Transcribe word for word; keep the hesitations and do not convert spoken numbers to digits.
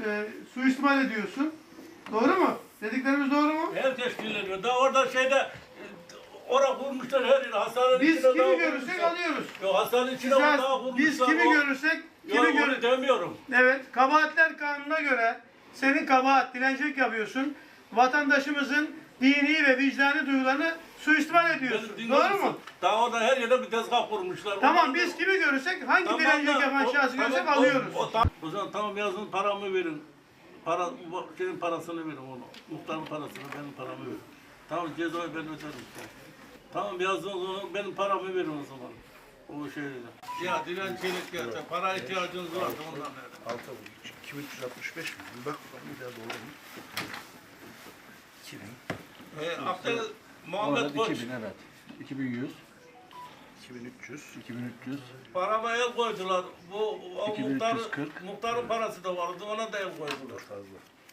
e, suistimal ediyorsun. Doğru mu? Dediklerimiz doğru mu? Herkes kirleniyor. Daha orada şeyde e, orada kurmuşlar her yeri. Hastanenin Biz içine kimi daha görürsek kurmuşlar. alıyoruz. Yok hastanenin içine Güzel, daha kurmuşlar. biz kimi O- görürsek, kimi Yok onu gör demiyorum. Evet, kabahatler kanununa göre senin kabahat, dilencilik yapıyorsun. Vatandaşımızın dini ve vicdani duygularını suistimal ediyorsun. Ben- Doğru mu? Daha orada her yerde bir tezgah kurmuşlar. Tamam, Onlar- biz kimi görürsek, hangi Tamam dilencilik da yapan o- şahsı tamam, görsek o- alıyoruz. O, tam- o zaman tamam yazın paramı verin. Para, bu şeyin parasını verin onu. Muhtarın parasını, benim paramı verin. Tamam cezayı ben öderim işte. Tamam yazdığınız zaman benim paramı verin o zaman. O şeyle. Ya dilencilik ya, para ihtiyacınız varsa ondan verin. Altı iki bin üç yüz altmış beş mi? Bir bak bakalım bir daha doğru mu? iki bin. E, Abdel Muhammed Koç iki bin evet. iki bin yüz, iki bin üç yüz. iki bin üç yüz, parama el koydular. Bu o iki bin üç muhtar, yüz kırk. muhtarın parası da vardı ona da el koydular. Fazla.